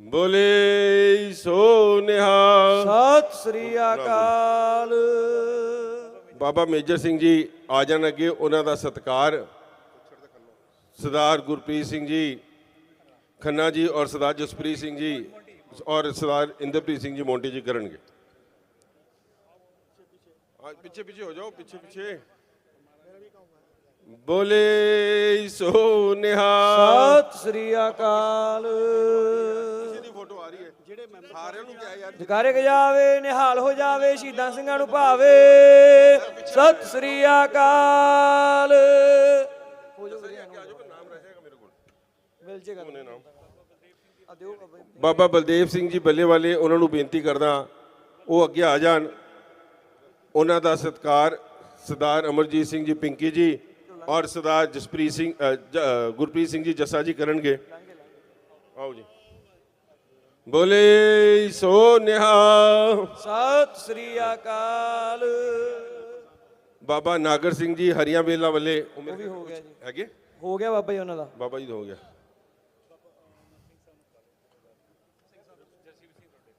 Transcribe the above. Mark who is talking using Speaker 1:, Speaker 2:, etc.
Speaker 1: ਬੋਲੇ ਸੋ ਨਿਹਾਲ।
Speaker 2: ਸਤਿ ਸ੍ਰੀ ਅਕਾਲ।
Speaker 1: ਬਾਬਾ ਮੇਜਰ ਸਿੰਘ ਜੀ ਆ ਜਾਣ ਅੱਗੇ, ਉਹਨਾਂ ਦਾ ਸਤਿਕਾਰ ਸਰਦਾਰ ਗੁਰਪ੍ਰੀਤ ਸਿੰਘ ਜੀ ਖੰਨਾ ਜੀ ਔਰ ਸਰਦਾਰ ਜਸਪ੍ਰੀਤ ਸਿੰਘ ਜੀ ਔਰ ਸਰਦਾਰ ਇੰਦਰਪ੍ਰੀਤ ਸਿੰਘ ਜੀ ਮੋਂਟੀ ਜੀ ਕਰਨਗੇ। ਪਿੱਛੇ ਪਿੱਛੇ ਹੋ ਜਾਓ, ਪਿੱਛੇ ਪਿੱਛੇ। ਬੋਲੇ ਸੋ ਨਿਹਾਲ।
Speaker 2: ਸਤਿ ਸ੍ਰੀ ਅਕਾਲ।
Speaker 1: ਦੀ ਫੋਟੋ ਆ ਰਹੀ ਹੈ, ਜਿਹੜੇ ਸਾਰਿਆਂ ਨੂੰ ਕਿਹਾ ਯਾਰ
Speaker 2: ਜਕਾਰੇ ਗਜਾਵੇ ਨਿਹਾਲ ਹੋ ਜਾਵੇ, ਸ਼ਹੀਦਾਂ ਸਿੰਘਾਂ ਨੂੰ ਭਾਵੇ। ਸਤਿ ਸ੍ਰੀ ਅਕਾਲ। ਮਿਲ ਜੇਗਾ ਨਾਮ ਆ ਦਿਓ
Speaker 1: ਬਾਬਾ ਬਲਦੇਵ ਸਿੰਘ ਜੀ ਬੱਲੇ ਵਾਲੇ, ਉਹਨਾਂ ਨੂੰ ਬੇਨਤੀ ਕਰਦਾ ਉਹ ਅੱਗੇ ਆ ਜਾਣ। ਉਹਨਾਂ ਦਾ ਸਤਿਕਾਰ ਸਰਦਾਰ ਅਮਰਜੀਤ ਸਿੰਘ ਜੀ ਪਿੰਕੀ ਜੀ ਔਰ ਸਰਦਾਰ ਜਸਪ੍ਰੀਤ ਸਿੰਘ ਗੁਰਪ੍ਰੀਤ ਸਿੰਘ ਜੀ ਜੱਸਾ ਜੀ ਕਰਨਗੇ। ਆਓ ਜੀ। ਬੋਲੇ ਸੋ ਨਿਹਾਲ।
Speaker 2: ਸਤਿ ਸ੍ਰੀ ਅਕਾਲ।
Speaker 1: ਬਾਬਾ ਨਾਗਰ ਸਿੰਘ ਜੀ ਹਰੀਆਂ ਵੇਲਾ ਵਾਲੇ,
Speaker 2: ਉਹ ਵੀ ਹੋ ਗਿਆ ਜੀ,
Speaker 1: ਹੈਗੇ
Speaker 2: ਹੋ ਗਿਆ ਬਾਬਾ ਜੀ ਉਹਨਾਂ ਦਾ।
Speaker 1: ਬਾਬਾ ਜੀ ਦਾ ਹੋ ਗਿਆ।